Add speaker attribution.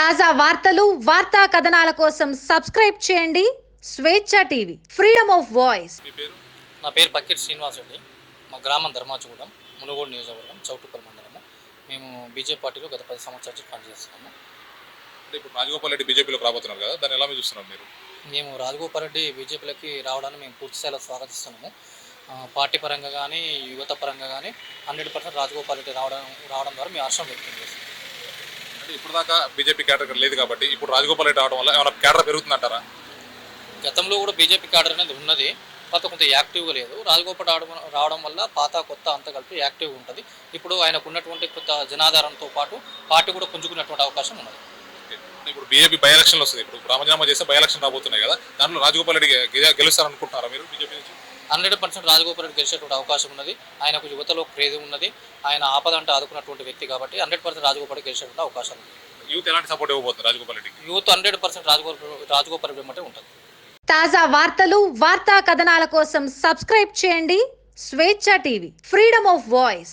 Speaker 1: తాజా వార్తలు, వార్తా కథనాల కోసం సబ్స్క్రైబ్ చేయండి స్వేచ్ఛ టీవీ, ఫ్రీడమ్ ఆఫ్ వాయిస్.
Speaker 2: నా పేరు బకెట్ శ్రీనివాస్ రెడ్డి. మా గ్రామం ధర్మాచూడం, మునుగోడు నియోజకవర్గం, చౌటుప్పల్ మండలము. మేము బీజేపీ పార్టీలో గత 10 సంవత్సరాల నుంచి పనిచేస్తున్నాము.
Speaker 3: ఇప్పుడు రాజగోపాల్ రెడ్డి బీజేపీలోకి రాబోతున్నారు కదా, దాన్ని ఎలా చూస్తున్నారు మీరు?
Speaker 2: మేము రాజగోపాల్ రెడ్డి బీజేపీలోకి రావడాన్ని మేము పూర్తి స్థాయిలో స్వాగతిస్తున్నాము. పార్టీ పరంగా కానీ, యువత పరంగా కానీ 100% రాజగోపాల్ రెడ్డి రావడం ద్వారా మేము హర్షం వ్యక్తం చేస్తున్నాం.
Speaker 3: అంటే ఇప్పుడు దాకా బీజేపీ క్యాడర్ లేదు కాబట్టి ఇప్పుడు రాజగోపాల్ రెడ్డి రావడం వల్ల ఏమైనా క్యాడర్ పెరుగుతుందంటారా?
Speaker 2: గతంలో కూడా బీజేపీ క్యాడర్ అనేది ఉన్నది, పాత కొంత యాక్టివ్గా లేదు. రాజగోపాల్ రావడం వల్ల పాత కొత్త అంతా కలిపి యాక్టివ్గా ఉంటుంది. ఇప్పుడు ఆయనకు ఉన్నటువంటి కొత్త జనాధారంతో పాటు పార్టీ కూడా పుంజుకున్నటువంటి అవకాశం ఉన్నది.
Speaker 3: ఇప్పుడు బీజేపీ బై ఎలక్షన్లు వస్తుంది, ఇప్పుడు రామజనామా చేస్తే బై ఎలక్షన్ రాబోతున్నాయి కదా, దాంట్లో రాజగోపాల్ రెడ్డి గెలుస్తారనుకుంటున్నారా మీరు బీజేపీ నుంచి?
Speaker 2: 100% రాజగోపాల్ రెడ్డి గెలిచేటువంటి అవకాశం ఉన్నది. ఆయనకు యువతలో క్రేజ్ ఉన్నది. ఆయన ఆపదంటే ఆదుకున్నటువంటి వ్యక్తి కాబట్టి 100% రాజగోపాల్ రెడ్డి గెలిచేటువంటి అవకాశం ఉంది.
Speaker 3: యూత్ ఎలాంటి సపోర్ట్ ఇవ్వబోతుంది రాజగోపాల్ రెడ్డికి?
Speaker 2: యూత్ 100% రాజగోపాల్ రెడ్డి అంటే ఉంటుంది.
Speaker 1: తాజా వార్తలు, వార్తా కథనాల కోసం సబ్స్క్రైబ్ చేయండి స్వేచ్ఛ టీవీ, ఫ్రీడమ్ ఆఫ్ వాయిస్.